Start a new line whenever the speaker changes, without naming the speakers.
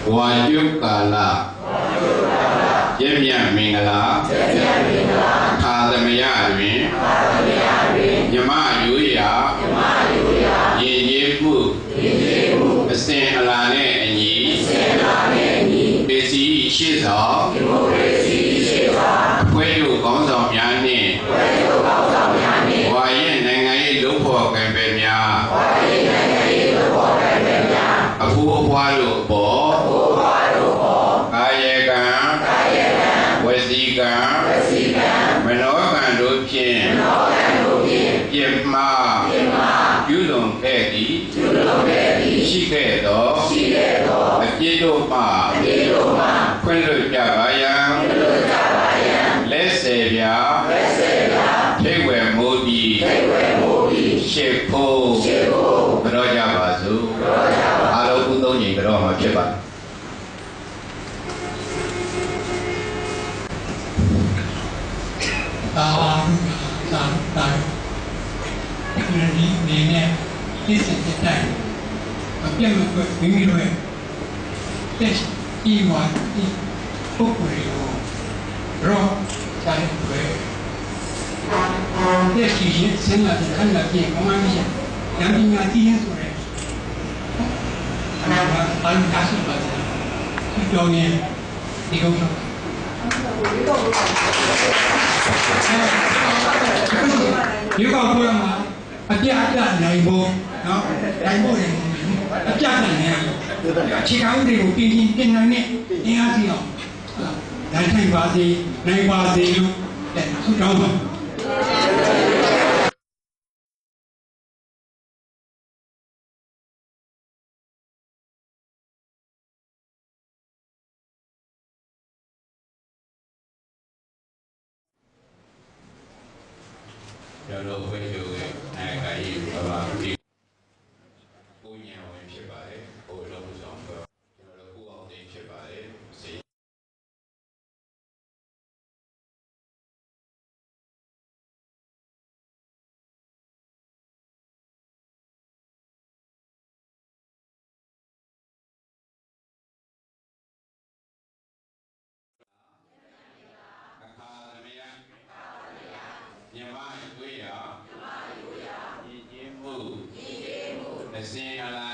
ဝါကျုကာလရမြမင်္ဂလာခါသမယတွင်မြမရိုးရာရည်ရည်မှုအစဉ်အလာနဲ့အညီဒေစီရှိသောအဖွဲ့တို့ကောင်းဆောင်များနှင့်ဝါရဲ့နိုင်ငံရေးလုပ်ဖော်ကံပဲများအဖိုးအဖွားတို့ပေါ်ကာယကံဝစီကံမနောကံတို့ဖြင့်ပြစ်မှားပြုလွန်ခဲ့သည်ရှိခဲ့သောအပြစ်တို့မှခွင့်လွှတ်ကြပါရန်လက်စေပြထိတ်ဝယ်မိုးပြီးရှေ့ဖို့ကြောကြပါစို့အားလုံးကုသိုလ်ညီကြောမှာဖြစ်ပါ
သာဒီနေနဲ့သိစတဲ့တိုင်အပြတ်မကွမိမိတို့ရဲ့တက်ဤဝါဒီပုဂ္ဂိုလ်ကိုရောဆိုင်ွယ်တဲ့ရှိရင်စင်လာတဲ့ခန္ဓာပြင်ကောင်းမှမရှိဉာဏ်ပညာသိရင်ဆိုရဲအမှန်အကားရှိပါတယ်ဒီတော့ရင်ဒီကုန်းတော့ဒီကောပြောမှာအပြအပြနိုင်ဖို့နော်နိုင်ဖို့ရင်အပြနိုင်နေအခြေခံဥပဒေကိုပြင်နိုင်တဲ့အင်အားကြီးအောင်နိုင်ထိုင်ပါစေနိုင်ပါစေလို့ဆုတောင်းပါ
ကျွန်တော်တို့ဝိသုရဲ့နိုင်ငံရေးဘာသာပြီးကိုညံဝင်ဖြစ်ပါတယ်ဟိုလုံးဆောင်တော့ကျွန်တော်တို့ကိုအောင်သိဖြစ်ပါတယ်စေအခါသမယမြမတွေ့ရရည်ကြီးမှုအစဉ်အလာ